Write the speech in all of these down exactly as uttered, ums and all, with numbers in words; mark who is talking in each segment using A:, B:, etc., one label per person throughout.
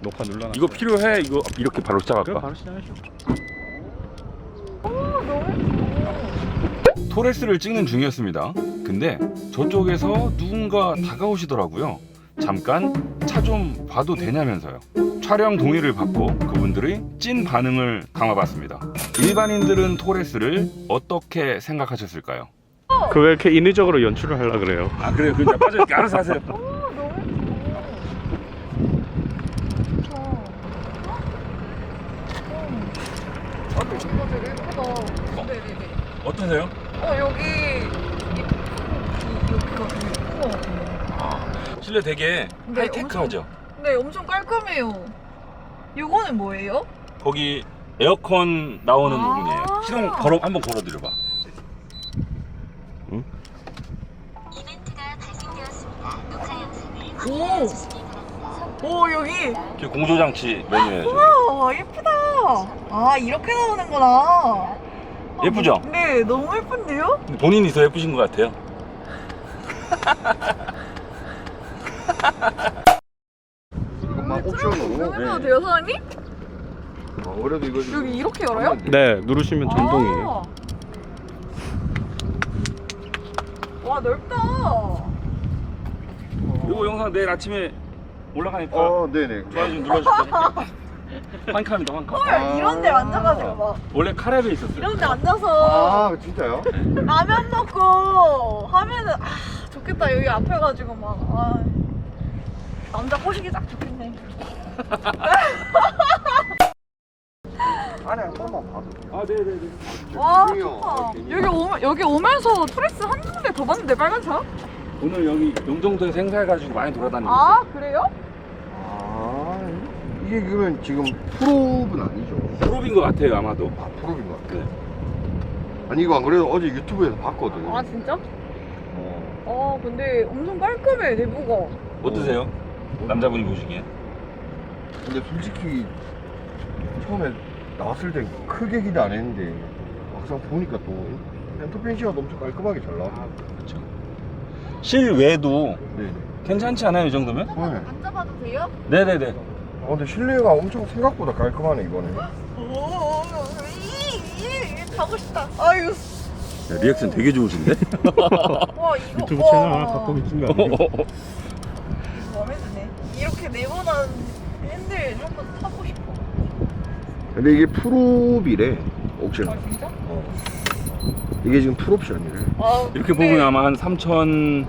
A: 녹화 눌러놨어.
B: 이거 필요해? 이거 이렇게 바로 시작할까?
A: 그럼 바로 시작하시죠.
C: 오, 너무
B: 토레스를 찍는 중이었습니다. 근데 저쪽에서 누군가 다가오시더라고요. 잠깐 차 좀 봐도 되냐면서요. 촬영 동의를 받고 그분들의 찐 반응을 담아봤습니다. 일반인들은 토레스를 어떻게 생각하셨을까요?
A: 그 왜 이렇게 인위적으로 연출을 하려 그래요?
B: 아 그래요? 그냥 빠져있게 알아서 하세요.
C: 오, 너무 예쁘다. 아, 이거 되게 예쁘다. 네네네.
B: 어떠세요?
C: 어, 여기 이, 이, 여기가 되게 예쁜 것 같아요.
B: 실내 되게
C: 네,
B: 하이테크하죠?
C: 네, 엄청 깔끔해요. 이거는 뭐예요?
B: 거기 에어컨 나오는
C: 아.
B: 부분이에요. 시동 걸어 한번 걸어드려봐. 응?
D: 이벤트가 발생되었습니다. 녹화 영상을
C: 오!
D: 확인해주시기 바랍니다.
C: 오, 여기.
B: 이게 공조장치 메뉴예요.
C: 와, 예쁘다. 아, 이렇게 나오는구나.
B: 예쁘죠?
C: 네, 너무 예쁜데요?
B: 근데 본인이 더 예쁘신 것 같아요.
E: 이것만 옵션으로.
C: 해도 돼요, 사장님?
E: 어, 그래도 이거 좀
C: 여기 이렇게 열어요?
E: 하면 돼.
A: 네, 누르시면 전동이에요.
C: 아. 와, 넓다.
B: 이거 영상 내일 아침에 올라가니까
E: 어, 네네.
B: 좋아요 좀 눌러주세요. 환카입니다, 환카.
C: 헐,
E: 아.
C: 이런 데 앉아가지고 막.
B: 원래 카랩에 있었어요.
C: 이런 데 앉아서
E: 아, 진짜요?
C: 라면 먹고 하면은 아 좋겠다. 여기 앞에 가지고 막 아, 남자 꼬시기 딱 좋겠네.
E: 안에 한 번만 봐도.
B: 아, 네네네.
C: 와
E: 좋네요.
C: 좋다.
E: 아,
C: 여기 오면 여기 오면서 토레스 한 군데 더 봤는데 빨간 차?
B: 오늘 여기 용정도에서 행사해가지고 많이 돌아다니고
C: 아
B: 있어요.
C: 그래요?
E: 아, 이게 그러면 지금 프로브는 아니죠?
B: 프로인 것 같아요, 아마도.
E: 아, 프로인 것 같아요.
B: 네.
E: 아니, 이거 안 그래도 어제 유튜브에서 봤거든.
C: 아 진짜?
E: 어.
C: 아 근데 엄청 깔끔해 내부가.
B: 어떠세요? 남자분이 보시기에?
E: 근데 솔직히 처음에 나왔을 땐 크게 기대 안 했는데 막상 보니까 또 엔터펜시가 엄청 깔끔하게 잘 나와.
B: 그렇죠. 실외도
E: 네네.
B: 괜찮지 않아요, 이 정도면?
E: 네.
C: 앉아봐도 돼요?
B: 네네네.
E: 어, 근데 실내가 엄청 생각보다 깔끔하네, 이번에.
C: 오, 이, 이, 가고 싶다. 아유.
B: 야, 리액션 되게 좋으신데?
C: 와 이거
A: 유튜브
C: 와.
A: 채널 하나 갖고 계신 거 아니에요?
C: 마음에 드네. 이렇게 네모난 핸들 한번 타고 싶어.
E: 근데 이게 풀옵이래, 옵션.
C: 아 진짜?
E: 어. 이게 지금 풀옵션이래.
C: 아,
B: 이렇게
C: 근데-
B: 보면 아마 한 삼천,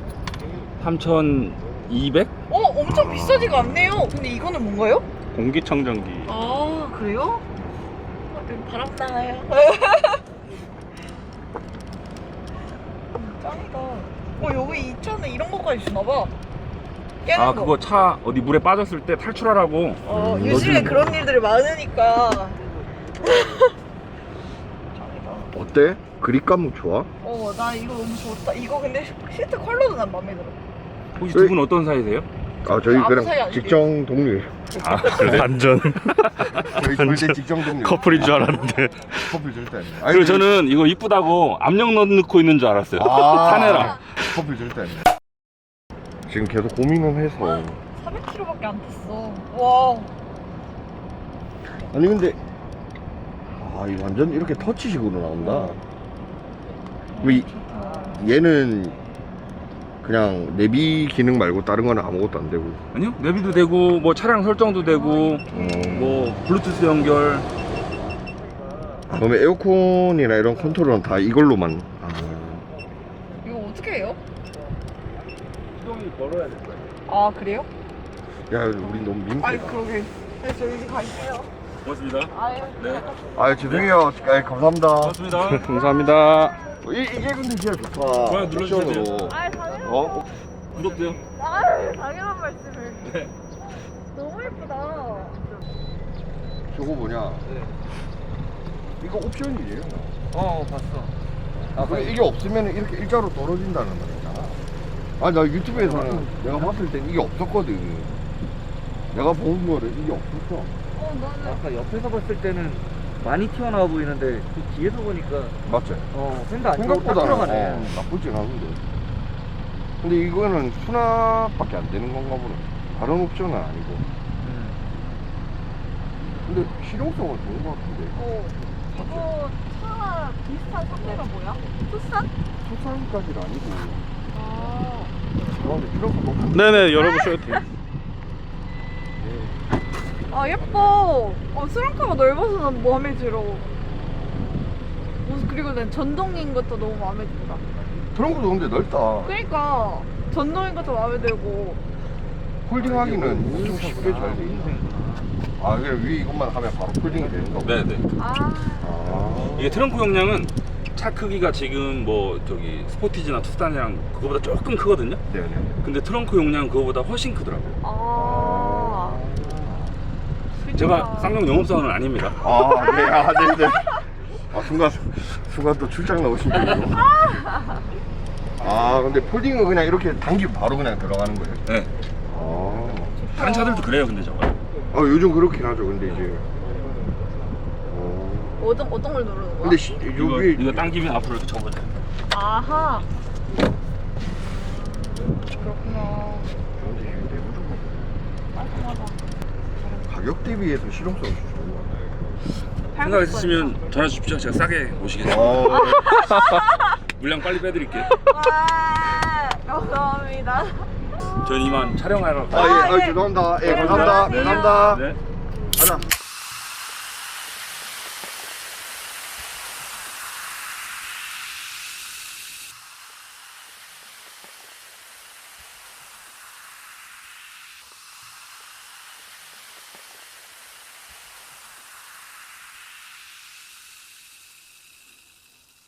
B: 삼천이백?
C: 어 엄청 비싸지가 않네요. 근데 이거는 뭔가요?
A: 공기청정기.
C: 아 그래요? 아, 되게 바람 나요. 짱이다. 어 여기 이천에 이런 것까지 주나봐. 깨는
B: 아,
C: 거.
B: 그거 차 어디 물에 빠졌을 때 탈출하라고.
C: 어
E: 음,
C: 요즘에
B: 넣어주는
C: 그런 일들이 많으니까. 짱이다.
E: 어때? 그립감 좋아?
C: 어 나 이거 너무 좋다. 이거 근데 시트 컬러도 난 마음에 들어.
B: 혹시 두 분 어떤 사이세요?
E: 아, 저희
C: 아무 사이
E: 그냥
C: 아니지.
E: 직장 동료예요.
B: 아, 그래?
A: 완전
E: 저희 절대 직장 동료.
A: 커플인 줄 알았는데.
E: 커플 절대 아니에요.
B: 그리고 저는 이거 이쁘다고 압력 넣고 있는 줄 알았어요.
E: 아,
B: 사내랑.
E: 커플 절대 아니에요. 지금 계속 고민은 해서.
C: 사백 킬로미터밖에 안 탔어. 와.
E: 아니, 근데. 아, 이 완전 이렇게 터치식으로 나온다. 왜 이- 얘는 그냥 내비 기능 말고 다른 거는 아무것도 안 되고.
B: 아니요, 내비도 되고 뭐 차량 설정도 되고
E: 어,
B: 뭐 블루투스 연결.
E: 그러면 에어컨이나 이런 컨트롤은 다 이걸로만. 아,
C: 이거 어떻게 해요?
B: 시동이 걸어야 될 거예요.
C: 아 그래요?
E: 야, 우리 너무 민폐.
C: 아이 그러게. 네, 저 이제 갈게요.
B: 고맙습니다.
C: 아유.
B: 네.
E: 아, 죄송해요. 아, 감사합니다.
B: 고맙습니다.
A: 감사합니다.
E: 이, 이게 근데 진짜 좋다.
B: 좋아요, 눌러주셔야 돼요.
E: 옵션으로.
C: 아유 당연한.
E: 어?
B: 구독돼요.
C: 아유 당연한 말씀을.
B: 네.
C: 너무 예쁘다.
E: 저거 뭐냐? 이거 옵션이에요.
B: 어, 봤어.
E: 아, 그래, 이게 없으면 이렇게 일자로 떨어진다는 말이잖아. 아, 나 유튜브에서는 내가 봤을 땐 이게 없었거든. 내가 본 거를 이게 없었어.
C: 어 나는.
F: 아까 옆에서 봤을 때는 많이 튀어나와 보이는데 그 뒤에서 보니까
E: 맞지?
F: 어 펜도 안 튀고 딱
E: 생각보다
F: 들어가네.
E: 어, 나쁘진 않은데. 근데 이거는 수납밖에 안 되는 건가 보네. 다른 옵션은 아니고.
F: 음.
E: 근데 실용성은 좋은 것 같은데.
C: 어. 이거 차 비슷한 상대가 뭐야? 투싼?
E: 투싼까지는 아니고.
C: 아.
E: 아, 근데 실용성 너무.
A: 네네 열어보셔도 돼요.
C: 아 예뻐. 어, 수렁카가 넓어서 난 마음에 들어. 무슨- 그리고 난 전동인 것도 너무 마음에 든다.
E: 트렁크도 근데 넓다.
C: 그러니까 전동인 것도 마음에 들고.
E: 폴딩하기는 엄청 쉽게 잘 돼 있네. 아, 그래 위에 이것만 하면 바로 폴딩이 되는 거고.
B: 네네.
C: 아.
E: 아.
B: 이게 트렁크 용량은 차 크기가 지금 뭐 저기 스포티지나 투싼이랑 그거보다 조금 크거든요.
E: 네네.
B: 근데 트렁크 용량은 그거보다 훨씬 크더라고요.
C: 아.
B: 제가 쌍용 영업사원은 아닙니다.
E: 아, 네, 아, 네네. 아, 순간, 순간 또 출장 나오신 분이고. 아, 근데 폴딩은 그냥 이렇게 당기면 바로 그냥 들어가는 거예요?
B: 네.
E: 아.
B: 다른 차들도 그래요, 근데 저거.
E: 아, 요즘 그렇긴 하죠, 근데 이제. 어.
C: 어떤 어떤 걸 누르는 거야?
E: 근데 시,
B: 이거
E: 여기.
B: 이거 당기면 앞으로 이렇게 접어져.
C: 아하. 그렇구나. 깔끔하다.
E: 가격 대비해서 실용성이 좋은 것 같아요.
B: 생각 있으시면 전화 주십시오. 제가 싸게 모시겠습니다.
E: 어.
B: 물량 빨리 빼드릴게요.
C: 와, 감사합니다.
B: 저는 이만 촬영하러
E: 아, 예, 아, 죄송합니다. 예, 감사합니다.
C: 네,
E: 감사합니다.
B: 네.
E: 가자.